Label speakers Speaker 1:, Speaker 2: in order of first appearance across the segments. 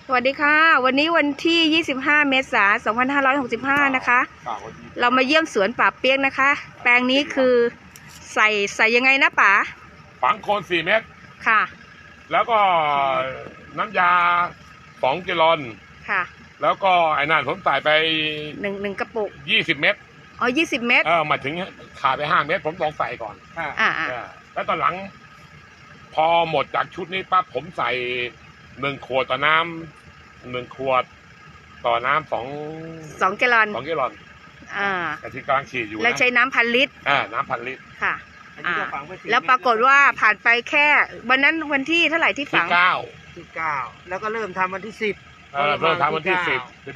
Speaker 1: สวัสดีค่ะวันนี้วันที่ 25 เมษายน 2565 นะคะเรามาเยี่ยมสวนป่าเปี๊ยกนะคะแปลงนี้คือใส่ยังไงนะป๋า
Speaker 2: ฝังโคน4 เมตร
Speaker 1: ค่ะ
Speaker 2: แล้วก็น้ำยา2 แกลลอน
Speaker 1: ค่ะ
Speaker 2: แล้วก็ไอ้นั่นผมใส่ไป
Speaker 1: หนึ่งกระปุก
Speaker 2: 20 เมตร
Speaker 1: อ๋อ20 เมตร
Speaker 2: มาถึงขาดไป5 เมตรผมลองใส่ก่อนแล้วตอนหลังพอหมดจากชุดนี้ปั๊บผมใส่1 ขวดต่อน้ำ1 ขวดต่อน้ำ2
Speaker 1: แกลลอน
Speaker 2: 2 แกลลอนแต่ที่กำลังฉีดอยู่
Speaker 1: แล้วใช้น้ำ1,000 ลิตร
Speaker 2: น้ำ1,000 ลิตร
Speaker 1: ค่ะแล้วปรากฏว่าผ่านไปแค่วันนั้นวันที่เท่าไหร่ที่ฝัง
Speaker 3: ที่ 9แล้วก็เริ่มทำวันที่ 10
Speaker 2: เริ่มทำวันที่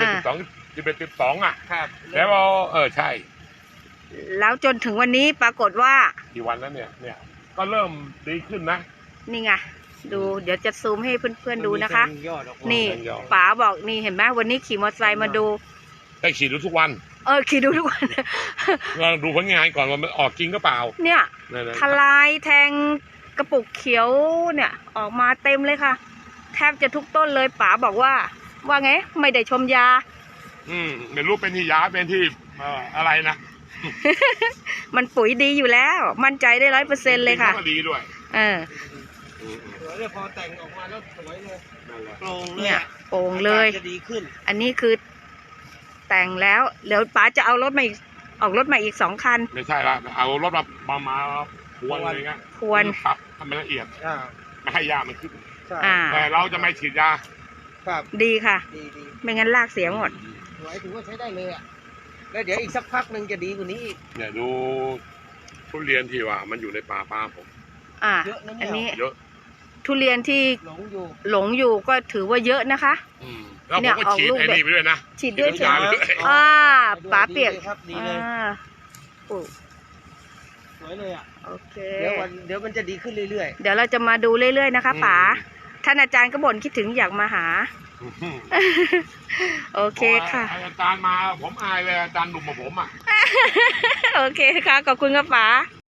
Speaker 2: 11 12
Speaker 3: ครับ
Speaker 2: แล้วใช่
Speaker 1: แล้วจนถึงวันนี้ปรากฏว่า
Speaker 2: กี่วันแล้วเนี่ยก็เริ่มดีขึ้นนะ
Speaker 1: นี่ไงดูเดี๋ยวจะซูมให้เพื่อนๆดูนะคะนี่ป๋าบอกนี่เห็นไหมวันนี้ขี่มอเตอร์ไซค์มาดู
Speaker 2: ได้ขี่ดูทุกวัน
Speaker 1: ขี่ดูทุกวัน
Speaker 2: เราดูผลงานก่อนว่ามันออกจริงก็เปล่า
Speaker 1: เนี่ยทลายแทงกระปุกเขียวเนี่ยออกมาเต็มเลยค่ะแทบจะทุกต้นเลยป๋าบอกว่าไงไม่ได้ชมยา
Speaker 2: ไม่รู้เป็นที่ยาเป็นที่อะไรนะ
Speaker 1: มันปุ๋ยดีอยู่แล้วมั่นใจได้100%เลยค่ะ
Speaker 2: ดีด้วย
Speaker 3: สวยเลยพอแต่งออกมาแล้วสวยเลยโปร่งเลย
Speaker 1: เนี่ยโปร่งเลย
Speaker 3: จะดีขึ้น
Speaker 1: อันนี้คือแต่งแล้วเดี๋ยวป๋าจะเอารถมาออกรถมาอีก2 คัน
Speaker 2: ไม่ใช่ละเอารถมาพวนอะไรเงี้ย
Speaker 1: พวน
Speaker 2: ครับทำให้ละเอียดไม่ให้ยามันขึ้น
Speaker 1: แต่
Speaker 2: เราจะไม่ฉีดยา
Speaker 3: ครับ
Speaker 1: ดีค่ะ
Speaker 3: ดี
Speaker 1: ไม่งั้นรากเสียหมด
Speaker 3: สวยถือว่าใช้ได้เลยอ่ะแล้วเดี๋ยวอีกสักพักหนึ่งจะดีกว่านี้อีก
Speaker 2: เนี่ยดูทุเรียนที่ว่ามันอยู่ในป่าผม
Speaker 3: เยอะนะ
Speaker 1: อันนี้
Speaker 2: เยอะ
Speaker 1: ทุเรียนที่หลงอยู่ก็ถือว่าเยอะนะคะ
Speaker 2: แล้วผมก็ฉีดไอ้นี่ไปด้วยนะ
Speaker 1: ฉีดด้วยใช่ไหมป๋าเปียก
Speaker 3: ครับดีเลยสวยเลยอ่ะ
Speaker 1: โอเค
Speaker 3: เดี๋ยวมันจะดีขึ้นเรื่อย
Speaker 1: ๆเดี๋ยวเราจะมาดูเรื่อยๆนะคะป๋าท่านอาจารย์ก็บ่นคิดถึงอยากมาหาโอเคค่ะ
Speaker 2: อาจารย์มาผมอายเลยอาจารย์หนุ่มมาผมอ่ะ
Speaker 1: โอเคค่ะขอบคุณครับป๋า